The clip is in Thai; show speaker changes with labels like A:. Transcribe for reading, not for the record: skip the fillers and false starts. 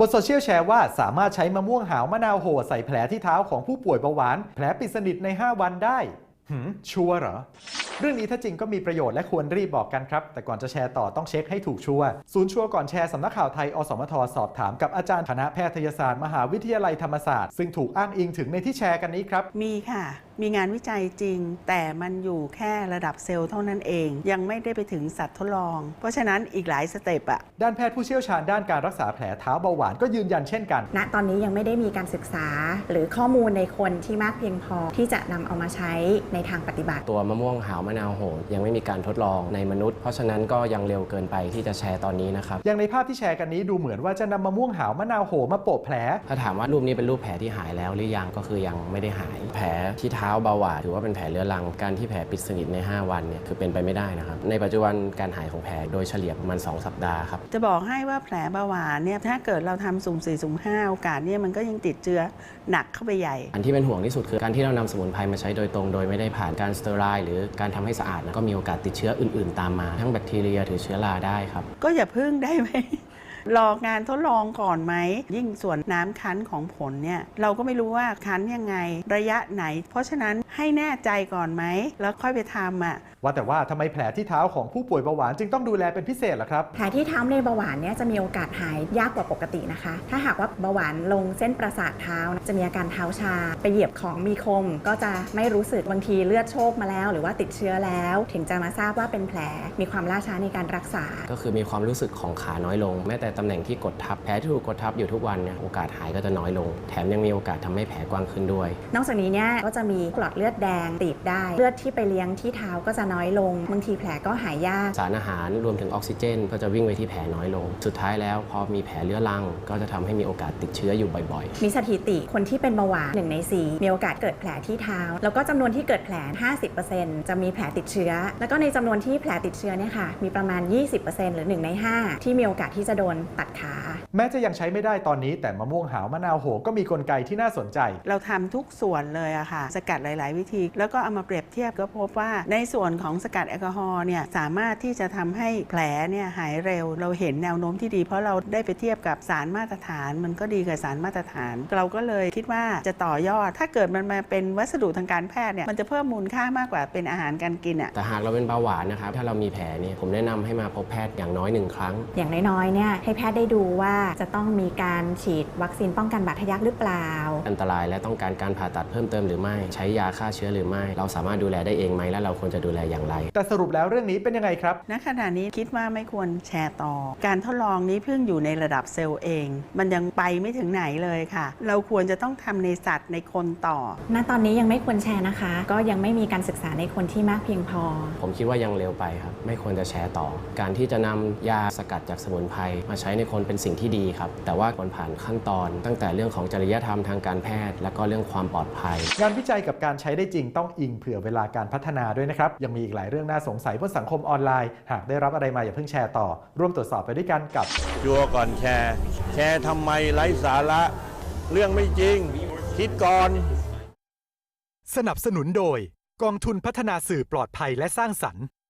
A: บนโซเชียลแชร์ว่าสามารถใช้มะม่วงหาวมะนาวโหใส่แผลที่เท้าของผู้ป่วยเบาหวานแผลปิดสนิทใน5 วันได้ชัวร์เหรอเรื่องนี้ถ้าจริงก็มีประโยชน์และควรรีบบอกกันครับแต่ก่อนจะแชร์ต่อต้องเช็คให้ถูกชัวร์ศูนย์ชัวร์ก่อนแชร์สำนักข่าวไทยอสมทสอบถามกับอาจารย์คณะแพทยศาสตร์มหาวิทยาลัยธรรมศาสตร์ซึ่งถูกอ้างอิงถึงในที่แชร์กันนี้ครับ
B: มีค่ะมีงานวิจัยจริงแต่มันอยู่แค่ระดับเซลล์เท่านั้นเองยังไม่ได้ไปถึงสัตว์ทดลองเพราะฉะนั้นอีกหลายสเต็ปอะ
A: ด้านแพทย์ผู้เชี่ยวชาญด้านการรักษาแผลเท้าเบาหวานก็ยืนยันเช่นกัน
C: ณตอนนี้ยังไม่ได้มีการศึกษาหรือข้อมูลในคนที่มากเพียงพอที่จะนำเอามาใช้ในทางปฏิบัติ
D: ตัวมะม่วงหาวมะนาวโหยังไม่มีการทดลองในมนุษย์เพราะฉะนั้นก็ยังเร็วเกินไปที่จะแชร์ตอนนี้นะครับ
A: อย่างในภาพที่แชร์กันนี้ดูเหมือนว่าจะนำมะม่วงหาวมะนาวโหมาโปะแผล
D: ถ้าถามว่ารูปนี้เป็นรูปแผลที่หายแล้วหรือยังก็คือยังไม่ได้หายแผลที่เท้าเบาหวานถือว่าเป็นแผลเรื้อรังการที่แผลปิดสนิทใน5 วันเนี่ยคือเป็นไปไม่ได้นะครับในปัจจุบันการหายของแผลโดยเฉลี่ยประมาณ2 สัปดาห์ครับ
B: จะบอกให้ว่าแผลเบาหวานเนี่ยถ้าเกิดเราทำสุ่ม 4 สุ่ม 5โอกาสเนี่ยมันก็ยังติดเชื้อหนักเข้าไปใหญ่
D: อันที่เป็นห่วงที่สุดคือการที่เรานำสมุนไพรมาใช้โดยตรงโดยไม่ได้ผ่านการสเตอไรล์หรือการทำให้สะอาดก็มีโอกาสติดเชื้ออื่นๆตามมาทั้งแบคทีเรียหรือเชื้อราได้ครับ
B: ก็อย่าพึ่งได้ไหมรองานทดลองก่อนไหมยิ่งส่วนน้ำคั้นของผลเนี่ยเราก็ไม่รู้ว่าคั้นยังไงระยะไหนเพราะฉะนั้นให้แน่ใจก่อนไหมแล้วค่อยไปทำ
A: ว่าแต่ว่าทำไมแผลที่เท้าของผู้ป่วยเบาหวานจึงต้องดูแลเป็นพิเศษล่ะครับ
C: แผลที่เท้าในเบาหวานเนี่ยจะมีโอกาสหายยากกว่าปกตินะคะถ้าหากว่าเบาหวานลงเส้นประสาทเท้าจะมีอาการเท้าชาไปเหยียบของมีคมก็จะไม่รู้สึกบางทีเลือดโชคมาแล้วหรือว่าติดเชื้อแล้วถึงจะมาทราบว่าเป็นแผลมีความล่าช้าในการรักษา
D: ก็คือมีความรู้สึกของขาน้อยลงแม้แต่ตำแหน่งที่กดทับแผลที่ถูกกดทับอยู่ทุกวันเนี่ยโอกาสหายก็จะน้อยลงแถมยังมีโอกาสทำให้แผลกว้างขึ้นด้วย
C: นอกจากนี้เนี่ยก็จะมีหลอดเลือดแดงตีบได้เลือดที่ไปเลี้ยงที่เท้าก็จะน้อยลงบางทีแผลก็หายยาก
D: สารอาหารรวมถึงออกซิเจนก็จะวิ่งไปที่แผลน้อยลงสุดท้ายแล้วพอมีแผลเรื้อรังก็จะทำให้มีโอกาสติดเชื้ออยู่บ่อย
C: ๆมีสถิติคนที่เป็นเบาหวาน1 ใน 4มีโอกาสเกิดแผลที่เท้าแล้วก็จำนวนที่เกิดแผล 50% จะมีแผลติดเชื้อแล้วก็ในจำนวนที่แผลติดเชื้อเนี่ยค่ะมีประมาณ 20% หรือ1 ใน 5ที่มีโอกาสที่จะโดนตัดขา
A: แม้จะยังใช้ไม่ได้ตอนนี้แต่มะม่วงหาวมะนาวโหก็มีกลไกที่น่าสนใจ
B: เราทำทุกส่วนเลยอะค่ะสกัดหลายๆวิธีแล้วก็เอามาเปรียบเทียบก็พบว่าในส่วนของสกัดแอลกอฮอล์เนี่ยสามารถที่จะทำให้แผลเนี่ยหายเร็วเราเห็นแนวโน้มที่ดีเพราะเราได้ไปเทียบกับสารมาตรฐานมันก็ดีกับสารมาตรฐานเราก็เลยคิดว่าจะต่อยอดถ้าเกิดมันมาเป็นวัสดุทางการแพทย์เนี่ยมันจะเพิ่มมูลค่ามากกว่าเป็นอาหารการกิน
D: แต่หากเราเป็นเบาหวานนะครับถ้าเรามีแผลนี่ผมแนะนำให้มาพบแพทย์อย่างน้อย1 ครั้ง
C: อย่างน้อยๆเนี่ยให้แพทย์ได้ดูว่าจะต้องมีการฉีดวัคซีนป้องกันบาดทะยักหรือเปล่า
D: อันตรายและต้องการการผ่าตัดเพิ่มเติมหรือไม่ใช้ยาฆ่าเชื้อหรือไม่เราสามารถดูแลได้เองไหมและเราควรจะดูแลอย่างไร
A: แต่สรุปแล้วเรื่องนี้เป็นยังไงครับ
B: ณขณะนี้คิดว่าไม่ควรแชร์ต่อการทดลองนี้เพิ่งอยู่ในระดับเซลล์เองมันยังไปไม่ถึงไหนเลยค่ะเราควรจะต้องทำในสัตว์ในคนต่อ
C: ณตอนนี้ยังไม่ควรแชร์นะคะก็ยังไม่มีการศึกษาในคนที่มากเพียงพอ
D: ผมคิดว่ายังเร็วไปครับไม่ควรจะแชร์ต่อการที่จะนำยาสกัดจากสมุนไพรมาใช้ในคนเป็นสิ่งที่ดีครับแต่ว่าควรผ่านขั้นตอนตั้งแต่เรื่องของจริยธรรมทางการแพทย์และก็เรื่องความปลอดภัย
A: งานวิจัยกับการใช้ได้จริงต้องอิงเผื่อเวลาการพัฒนาด้วยนะครับยังมีอีกหลายเรื่องน่าสงสัยบนสังคมออนไลน์หากได้รับอะไรมาอย่าเพิ่งแชร์ต่อร่วมตรวจสอบไปด้วยกันกับ
E: ชัวร์ก่อนแชร์แชร์ทำไมไร้สาระเรื่องไม่จริงคิดก่อน
A: สนับสนุนโดยกองทุนพัฒนาสื่อปลอดภัยและสร้างสรรค์